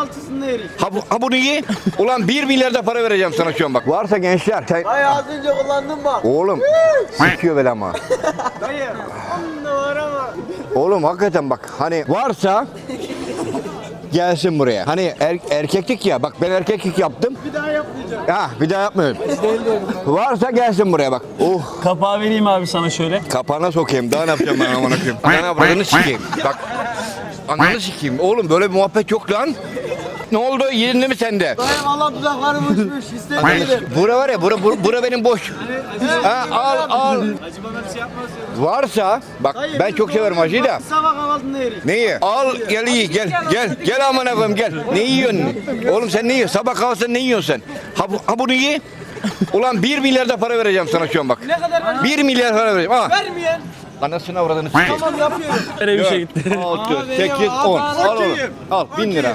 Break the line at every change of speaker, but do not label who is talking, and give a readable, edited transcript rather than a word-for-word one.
kahvaltısında yerik.
Ha bunu ye. Ulan 1 milyar da para vereceğim sana şu an bak. Varsa gençler. Sen...
Dayı az önce kullandın bak.
Oğlum sikiyor böyle ama.
Dayı. Onda var ama.
Oğlum hakikaten bak hani varsa gelsin buraya. Hani erkeklik ya bak ben erkeklik yaptım.
Bir daha yapmayacağım.
Ha bir daha yapmıyorum. Varsa gelsin buraya bak. Oh
Kapağı vereyim abi sana şöyle.
kapağına sokayım. Daha ne yapacağım ben amına koyayım. Ananı avradını sikeyim. Bak. Ananı sikeyim. Oğlum böyle bir muhabbet yok lan. Ne oldu? Yerinde mi sende?
Dayı valla dudaklarım uçmuş. İstemiyorum.
Bura var ya, bura benim boş. Ha, al.
Acı bana bir şey yapmaz ya.
Varsa, bak
Dayı,
ben
biz
çok severim hacıyı da.
Sabah kahvaltısında yerik.
Neyi? Al gel iyi gel amına koyayım gel. Ne yiyorsun? Oğlum sen ne yiyorsun? Sabah kahvaltısında ne yiyorsun sen? Ha bunu ye. Ulan 1 milyar da para vereceğim sana şu an bak.
Ne kadar var?
1 milyar para vereceğim. Ha.
Vermeyen.
Anasını avradını sikeyim.
Tamam yapıyorum.
Bir şey gitti.
6,
Abi,
8,
ya,
10.
abi,
Al oğlum. Al 1000 lira.